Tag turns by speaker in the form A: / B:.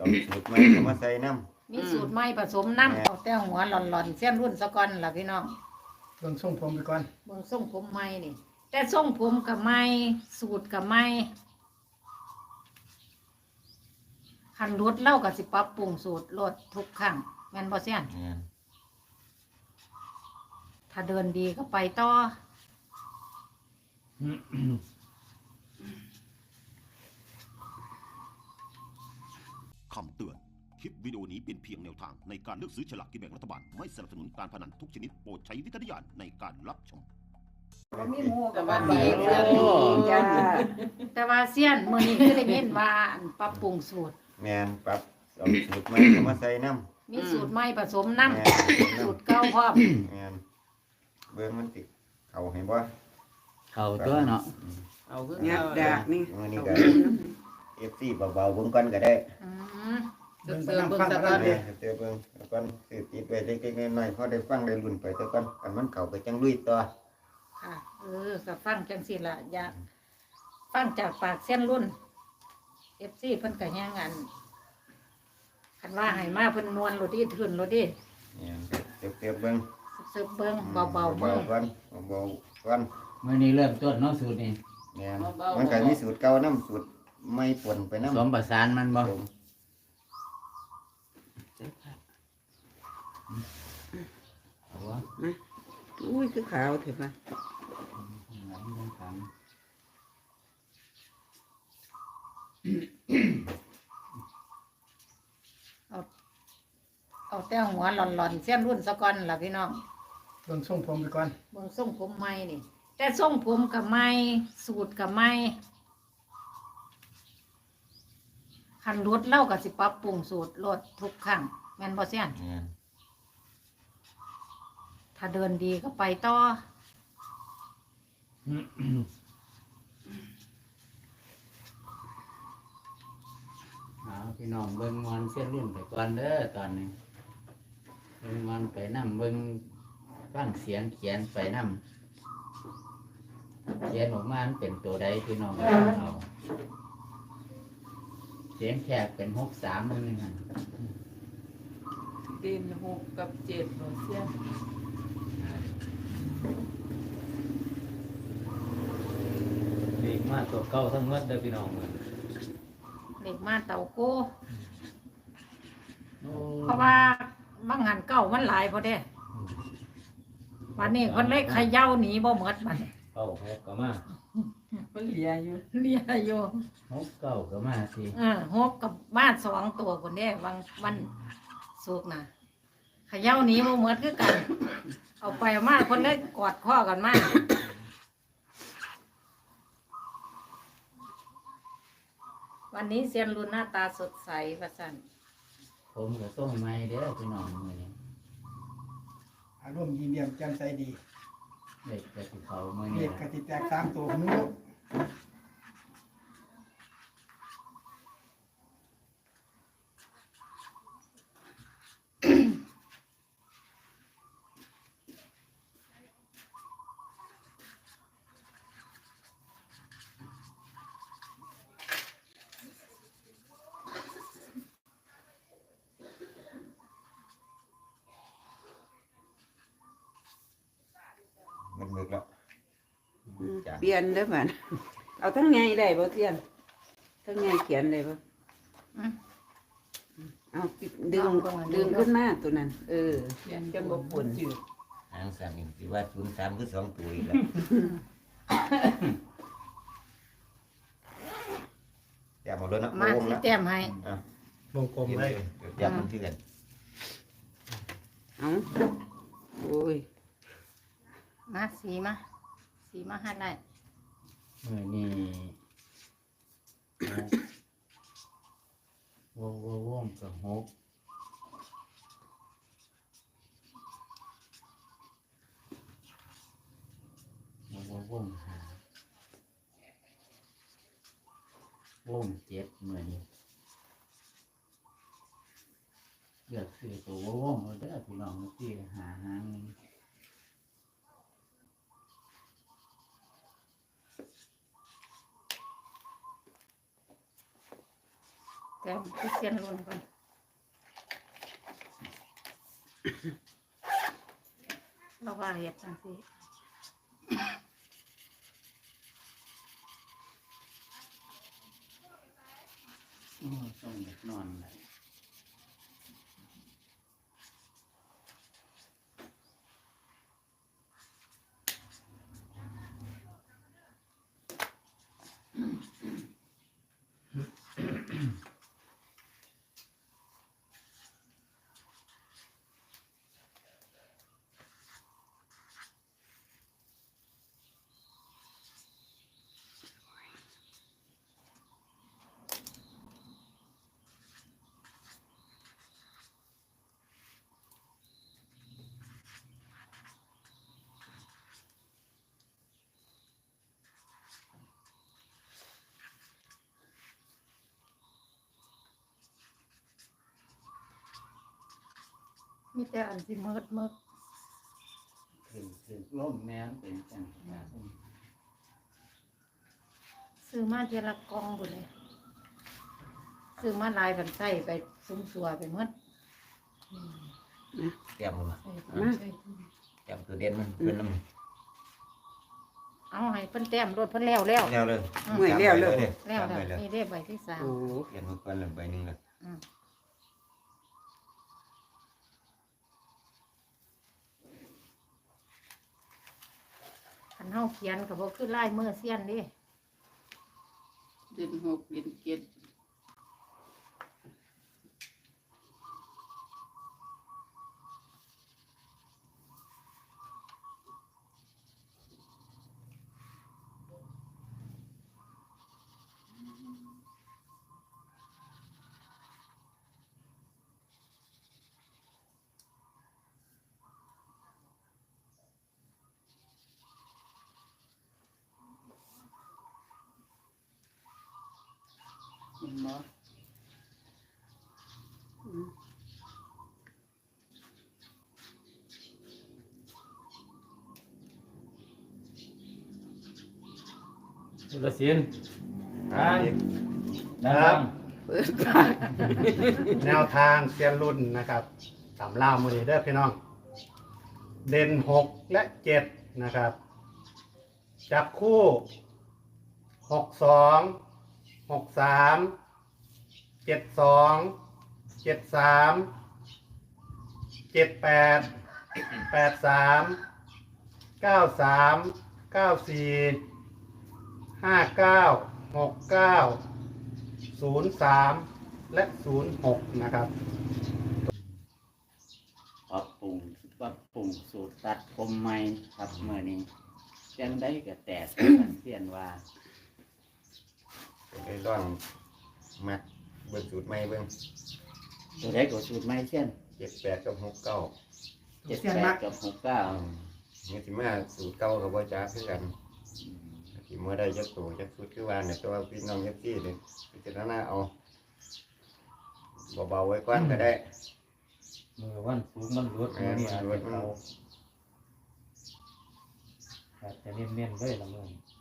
A: สูตรใหม่ก็มาใส่น้ำ
B: มีสูตรใหม่ผสมน้ำเอาแต่หัวหล่อนๆเส้นรุ่นสะก่อนล่ะพี่น้อง
C: เบิ่งส่งผมไปก่อน
B: เบิ่งทรงผมใหม่นี่แต่ทรงผมกับใหม่สูตรกับใหม่คันรถเล่ากับสิปรับปรุงสูตรรถทุกครั้งแม่นบ่เสียน
A: แม่น
B: ถ้าเดินดีก็ไปต่อ
D: คำเตือน คลิปวิดีโอนี้เป็นเพียงแนวทางในการเลือกซื้อฉลากกินแบ่งรัฐบาล ไม่สนับสนุนการพนันทุกชนิดโปรดใช้วิจารณญาณในการรับชม
B: มีหมูกับ
E: สวั
B: ว่า
E: ส
B: ดี
E: ดีจ้า
B: แต่ว่าเสียนมื้อนี้คือได้ยินว่าอันปรับปรุงสูตร
A: แม่นปรับเอาสูตรใหม่ก็มาใส่น้ำ
B: มีสูตรใหม่ผสมน้ำ
A: แม่น
B: สูตรเก่าพร้อม
A: แม่นเบิ่งมันสิเข้าให้บ่
E: เขาตัวเนาะ
F: เอาคือ
G: งับ
F: เอา
G: ดากนี่
A: มื้อนี้ก็ FC เบาๆเบิ่งก่อนก็ได้
B: อืม
F: เติมเบิ่งสักก่อน
A: แม่เดี๋ยวเบิ่งแล้วก่อนสิติดไว้เล็กๆน้อยๆพอได้ฟังได้ลุ้นไปซะก่อนคันมันเข้าไปจังลุยต่อ
B: ค่ะก็ฟังจังซี่ล่ะอยากฟังจากปากเส้นรุ่น FC เพิ่นก็แฮงอันคันว่าให้มาเพิ่นนวลโลดดิทื่นโลดดิ
A: แม่นเตียบๆเบิ่ง
B: ซึบเบิ่งเบาๆ
A: เบา
B: มือ
A: ๆก่อนเบาๆก่อน
E: มื้อนี้เริ่มต้นเนาะสูตรนี้
A: แม่นมันก็มีสูตรเก่าน้ำสูตรใหม่ปนไปน้ำ
E: สมประสานมันบ่
A: ผม
E: เอาวะ
G: อุ้ยคือขาวเถอะป่ะ
B: เอาแต่หัวหล่อนๆเส้นรุ่นสะก่อนล่ะพี่น้อง
C: เบิ่งส่งผมไปก่อน
B: เบิ่งทรงผมใหม่นี่ แต่ทรงผมกับใหม่สูตรกับใหม่คันรถเล่ากับสิปรับปรุงสูตรรถทุกครั้งแม่นบ่เสียน
A: แม่น
B: ถ้าเดินดีก็ไปต่อ
E: เอาพี่น้องเบิ่งมวนเส้นรุ่นไปก่อนเด้อตอนนี้เบิ่งมวนไปนำเบิ่งฟังเสียงเขียนไปนำเขียนออกมามันเป็นตัวใดพี่น้องเอาเสียงแขกเป็น63นึงนั่น
F: ดินหกกับเจ็ดหน่อยเสี้ยน
H: เลขมาตัวเก่าทั้งหมดเด้อพี่น้อง
B: เด็กมาเต่าโก้
E: โอ้
B: เพราะว่าบางหันเก่ามันหลายพอเด้วันนี้คนเล็กขย่าหนีบ่หมดมัน
H: เข้าหกก็มา
F: มันเหลียอยู่
B: เรียอยู่
E: 69ก็มาสิ
B: หกกับบ้าน2 ตัวคนเด้วันสุกร์น่ะขย่าหนีบ่หมดคือกัน เอาไปเอามาคนเล็กกอดข้อกันมาวันนี้เซียนรุ่นหน้าตาสดใสประสัน
E: ผมก็ส่งใหม่เด้อพี่น้องมื้อนี้
C: อารมณ์ยิ้มแย้มแจ่มใสดี
E: เด็กก็สิเข้ามื้อ
C: เล
E: นี้
C: ขก
E: ล่ะ
C: ติแตก3ตัวของนู้น
A: มันมึกแล้ว จ้ะ
G: เปลี่ยนเด้อบัดเอาทั้งไงได้บ่เทียนทั้งไงเขียนได้บ่
B: อืม
G: เอาดึงขึ้นมาตัวนั้น
F: เขียน
G: จังบ่ปุ่น
F: จืด
A: หางสามนี่สิว่า03คือ2ตัวอีกแล้วอย่าหมดเลยนะ
B: มา
A: โอ้
B: ที่
A: แล้ว
B: แต้มให้
A: อ่ะ
C: วงกลมเลย
A: อย่ามันที่กัน
G: เอาโอ้ย
B: มาสีมาให้ได้
E: มื้อนี้วงก็6วงหาวง7มื้อนี้เลือกซื้อตัววงเอาเด้อพี่น้องที่หาหางหนึ่ง
B: แแต่ที่เสียนรุ่นก่อนเราว่าเห็ดจังสิ
E: โอ้ต้องอยากนอนเลย
B: มีแต่อันที่มืด
E: คือล่มแม่นเป็นจังหวะ
B: ซื้อมาเทละกองหมดเลยซื้อมาลายกันใส่ไปซุ้มสัวไปหมด
A: เตรียมมา
F: ใส่ถุงใส่ถุง
A: เตรียมตัวเด่นมันเพิ่นนำ
B: เอาให้เพิ่นแต้มรถเพิ่นแล้วแล้ว
A: แล้วเลย
G: เมื่อยแล้วเลย
B: แล้ว
A: ไปเลย
B: นี่ได้ใบที่สาม
G: โอ้
A: เปลี่ยนมาก่อนแล้วใบหนึงละ
B: อืมคันเฮาเขียนก็บ่คือลายมือเสี้ยนเดิ
F: เดือนหกเดือนเจ็ด
E: เห็นบ่
H: สุรศิลป์ทาง
C: ค
H: นะ
C: รับ
G: เปิดปาก
C: แนวทางเซียนรุ่นนะครับตำล่ามือนี้เด้อพี่น้อง เด่น6 และ 7 นะครับ จับคู่ 62 63 72 73 78 83 93 94 59 69 03 และ 06 นะครับ
E: ปรับปรุงสูตรตัดผมใหม่ครับเมื่อนี้จังได้ก็แตกกันเสียนว่า
A: ก็เลยลองมัดเบิ่งสูตรใหม่เบิ่ง
E: ตัวได้ก็สูตรใหม่เสียน
A: 78กับ69
E: 78กับ69
A: นี่สิมาสูตรเก่ากับบ่จ้าคือกันสิบ่ได้จักตัวจักสูตรคือว่าเนี่ยแต่ว่าพี่น้องจักซี่นี่พิจารณาเอาเบาๆไว้ก่อนก็ได้
H: มือวันสูงมันรุดมือนี่อาจจะเขาอาจจะเนียนๆเลยละมือ